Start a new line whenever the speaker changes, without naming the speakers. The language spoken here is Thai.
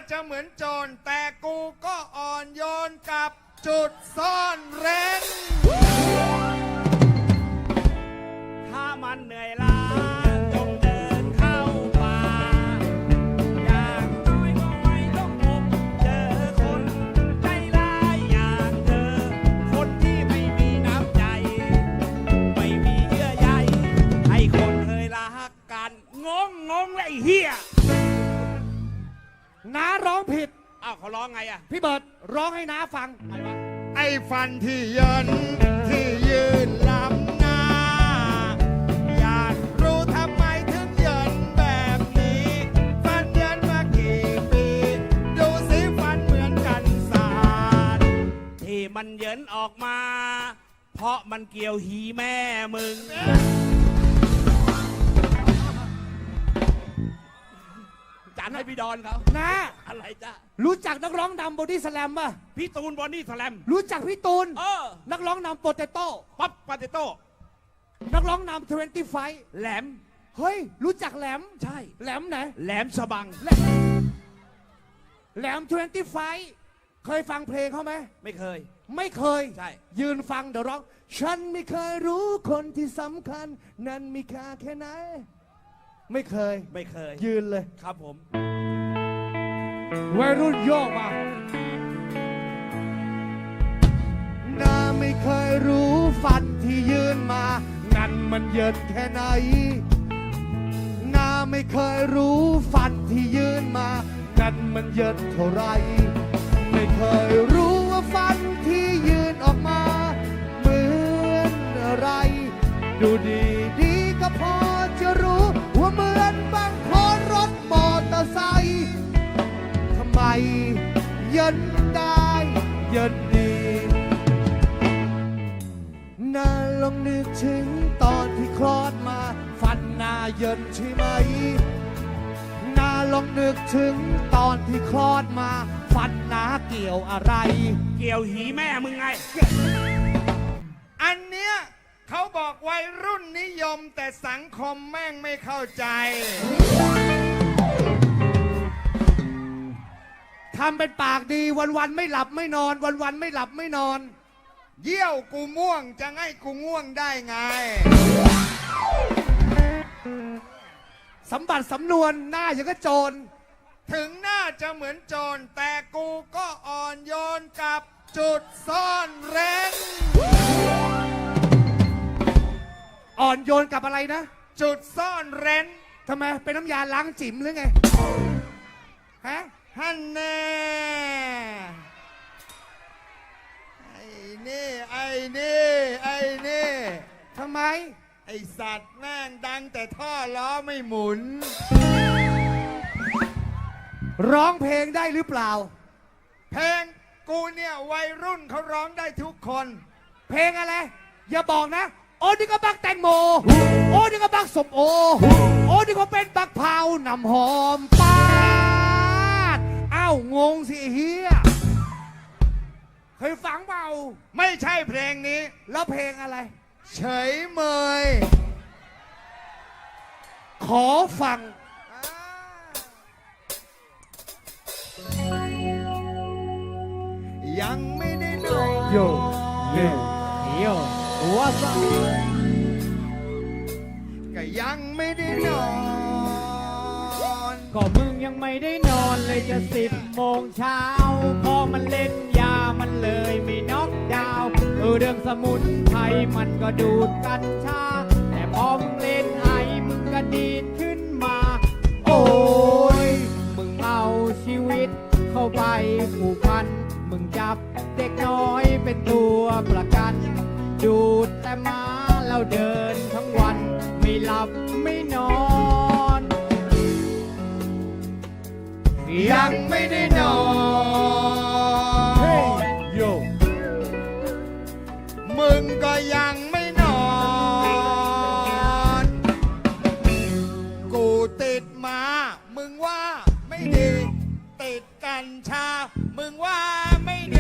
จะเหมือนโจรแต่กูก็อ่อนโยนกับจุดซ่อนเร้น
ถ้ามันเหนื่อยล้าจงเดินเข้าป่าอย่างน้อยก็ไม่ต้องพบเจอคนใจร้ายอย่างเธอคนที่ไม่มีน้ำใจไม่มีเยื่อใยให้คนเคยรักกันงงเลยไอ้เฮีย
น้าร้องผิด
อ้าวเขาร้องไงอะ
พี่เบิร์ดร้องให้น้าฟัง
ไงวะ
ไอ้ฟันที่เยินที่ยืนล้ำหน้าอยากรู้ทำไมถึงเยินแบบนี้ฟันเยินมากี่ปีดูสิฟันเหมือนกันสาด
ที่มันเหยินออกมา เพราะมันเกี่ยวหีแม่มึงจัดให้พี่ดอนเขา
น้า
อะไรจ้ะ
รู้จักนักร้องนำบอดี้สแลมป่ะ
พี่ตูนบอดี้สแลม
รู้จักพี่ตูน นักร้องนำโปเตโต้
ปั๊บปาเตโต้
นักร้องนำ20 ไฟ
แหลม
เฮ้ย รู้จักแหลม
ใช่
แหลมไหน
แหลมฉบัง
แหลม20 ไฟ เคยฟังเพลงเขาไหม
ไม่เคย
ไม่เคย
ใช่
ยืนฟังเดี๋ยวร้อง ฉันไม่เคยรู้คนที่สำคัญ นั้นมีค่าแค่ไหน ไม่เคย
ไม่เคย
ยืนเลย
ครับผม
วัยรุ่นโยกมาน้าไม่เคยรู้ฟันที่ยืนมา นั้นมันเยินแค่ไหนน้าไม่เคยรู้ฟันที่ยืนมา นั้นมันเยินเท่าไร ไม่เคยรู้ว่าฟันที่ยืนออกมา เหมือนอะไร ดูดีก็พอจะรู้ว่าเหมือนบางคนรถมอเตอร์ไซค์ทำไมเยินได้เยินดีน่าลองนึกถึงตอนที่คลอดมาฟันหน้าเยินใช่ไหมน่าลองนึกถึงตอนที่คลอดมาฟันหน้าเกี่ยวอะไร
เกี่ยวหีแม่มึงไง
อันเนี้ยเขาบอกวัยรุ่นนิยมแต่สังคมแม่งไม่เข้าใจ
ทำเป็นปากดีวันๆไม่หลับไม่นอน วันๆไม่หลับไม่นอน
เยี่ยวกูม่วงจะให้กูง่วงได้ไง
สมบัติสำนวนหน้าอย่างก็โจร
ถึงหน้าจะเหมือนโจรแต่กูก็อ่อนโยนกับจุดซ่อนเร้น
อ่อนโยนกับอะไรนะ
จุดซ่อนเร้น
ทำไมเป็นน้ำยาล้างจิ๋มหรือไงฮะ
ฮันแน่ไอ้นี่ไอ้นี่ไอ้นี่
ทำไม
ไอสัตว์แม่งดังแต่ท่อล้อไม่หมุน
ร้องเพลงได้หรือเปล่า
เพลงกูเนี่ยวัยรุ่นเขาร้องได้ทุกคน
เพลงอะไร อย่าบอกนะ โอ้นี่ก็บักแตงโม โอ้นี่ก็บักสมโอ โอ้นี่ก็เป็นบักเผาน้ำหอมปาดอ้าวงงสิเฮียเคยฟังเปล่า
ไม่ใช่เพลงนี้
แล้วเพลงอะไร
เฉยเมย
ขอฟัง
ยังไม่ได้นอน
โยเย่โยว่าซะ
ก็ยังไม่ได้นอน
ก็มึงยังไม่ได้นอนเลยจะ10 โมงเช้าพอมันเล่นยามันเลยไม่น็อกดาวน์เรื่องสมุนไพรมันก็ดูดกัญชาแต่พอมึงเล่นไอมึงก็ดีดขึ้นมา โอ้ยมึงเอาชีวิตเข้าไปผูกพันมึงจับเด็กน้อยเป็นตัวประกัน ดูดแต่มาแล้วเดินทั้งวันไม่หลับไม่นอน
ยังไม่ได้นอน
เฮ้ยโย
มึงก็ยังไม่นอน กูติดมามึงว่าไม่ดี ติดกัญชา มึงว่าไม่ดี